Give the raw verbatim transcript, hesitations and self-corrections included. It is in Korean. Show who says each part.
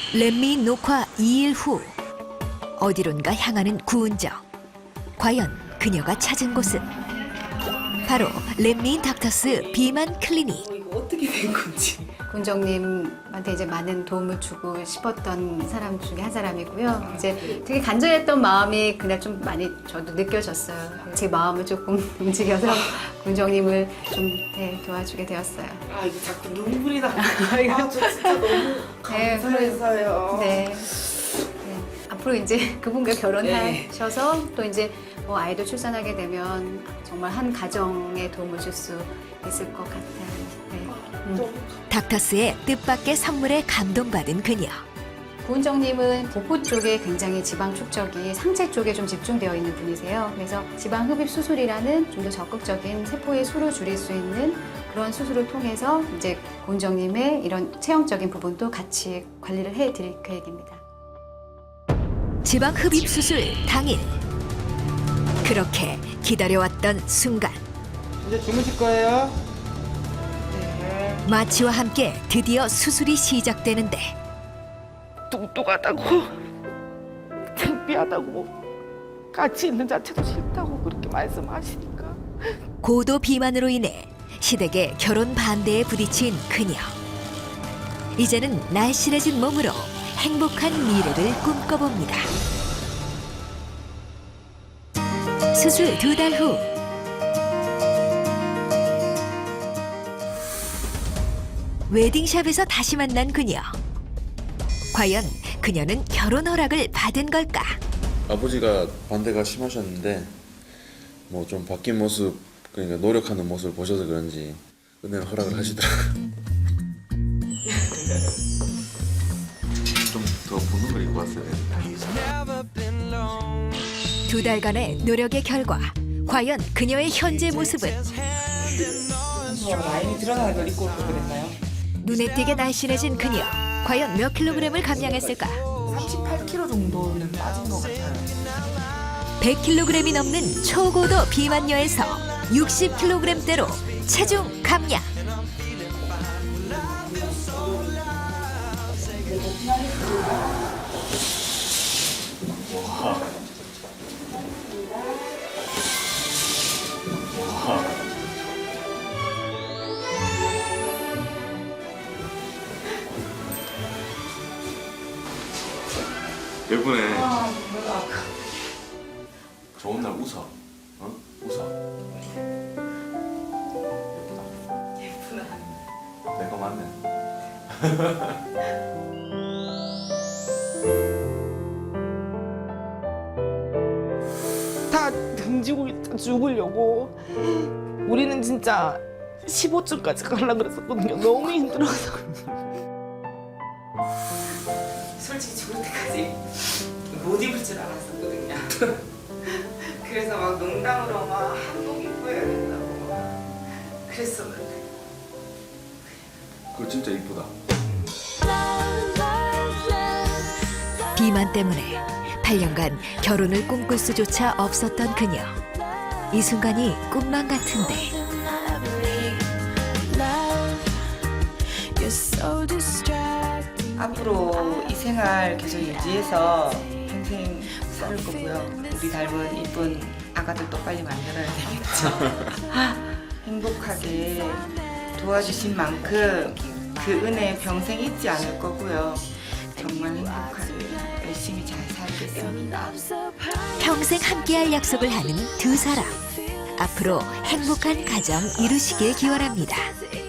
Speaker 1: 렛미인 녹화 이 일 후 어디론가 향하는 구은정. 과연 그녀가 찾은 곳은 바로 렛미인 닥터스 비만 클리닉.
Speaker 2: 어, 이거 어떻게 된 건지.
Speaker 3: 군정님한테 이제 많은 도움을 주고 싶었던 사람 중에 한 사람이고요. 이제 되게 간절했던 마음이 그날 좀 많이 저도 느껴졌어요. 제 마음을 조금 움직여서 군정님을 좀 네, 도와주게 되었어요.
Speaker 2: 아 이거 자꾸 눈물이 나. 아, 저 진짜 너무 감사해서요.
Speaker 3: 네. 네. 앞으로 이제 그분과 결혼하셔서 또 이제 뭐 아이도 출산하게 되면 정말 한 가정에 도움을 줄 수 있을 것 같아요. 네. 음.
Speaker 1: 닥터스의 뜻밖의 선물에 감동받은 그녀.
Speaker 3: 구은정님은 복부 쪽에 굉장히 지방 축적이 상체 쪽에 좀 집중되어 있는 분이세요. 그래서 지방 흡입 수술이라는 좀 더 적극적인 세포의 수를 줄일 수 있는 그런 수술을 통해서 이제 구은정님의 이런 체형적인 부분도 같이 관리를 해드릴 계획입니다.
Speaker 1: 지방 흡입 수술 당일. 그렇게 기다려왔던 순간.
Speaker 4: 이제 주무실 거예요? 네.
Speaker 1: 마취와 함께 드디어 수술이 시작되는데
Speaker 2: 뚱뚱하다고 창피하다고 같이 있는 자체도 싫다고 그렇게 말씀하시니까
Speaker 1: 고도 비만으로 인해 시댁의 결혼 반대에 부딪힌 그녀. 이제는 날씬해진 몸으로 행복한 미래를 꿈꿔봅니다. 수술 두 달 후. 웨딩샵에서 다시 만난 그녀. 과연 그녀는 결혼 허락을 받은 걸까?
Speaker 5: 아버지가 반대가 심하셨는데 뭐 좀 바뀐 모습, 그러니까 노력하는 모습을 보셔서 그런지 은혜를 허락을 하시더라고요. 좀 더 보는 걸 입고 왔어야 되는데.
Speaker 1: 두 달간의 노력의 결과 과연 그녀의 현재 모습은?
Speaker 2: 라인이 드러나는 걸 입고 올걸 그랬나요?
Speaker 1: 눈에 띄게 날씬해진 그녀. 과연 몇 킬로그램을 감량했을까?
Speaker 2: 삼십팔 킬로그램 정도는 빠진 것 같아요.
Speaker 1: 백 킬로그램이 넘는 초고도 비만녀에서 육십 킬로그램대로 체중 감량.
Speaker 5: 예쁘네. 좋은 날 웃어. 어? 웃어. 예쁘다. 예쁘다. 내거 맞네.
Speaker 2: 다 등지고 있다 죽으려고. 우리는 진짜 십오 층까지 가려고 그랬었거든요. 너무 힘들어서. 솔직히 죽을 때까지 못 입을 줄 알았었거든요. 그래서 막 농담으로 막 한복 입어야 된다고 막 그랬었는데.
Speaker 5: 그거 진짜 이쁘다.
Speaker 1: 비만 때문에 팔 년간 결혼을 꿈꿀 수조차 없었던 그녀. 이 순간이 꿈만 같은데
Speaker 6: 앞으로 이 생활 계속 유지해서 평생 살 거고요. 우리 닮은 이쁜 아가들도 빨리 만들어야 되겠죠. 행복하게 도와주신 만큼 그 은혜 평생 잊지 않을 거고요. 정말 행복하게 열심히 잘 살겠습니다.
Speaker 1: 평생 함께할 약속을 하는 두 사람. 앞으로 행복한 가정 이루시길 기원합니다.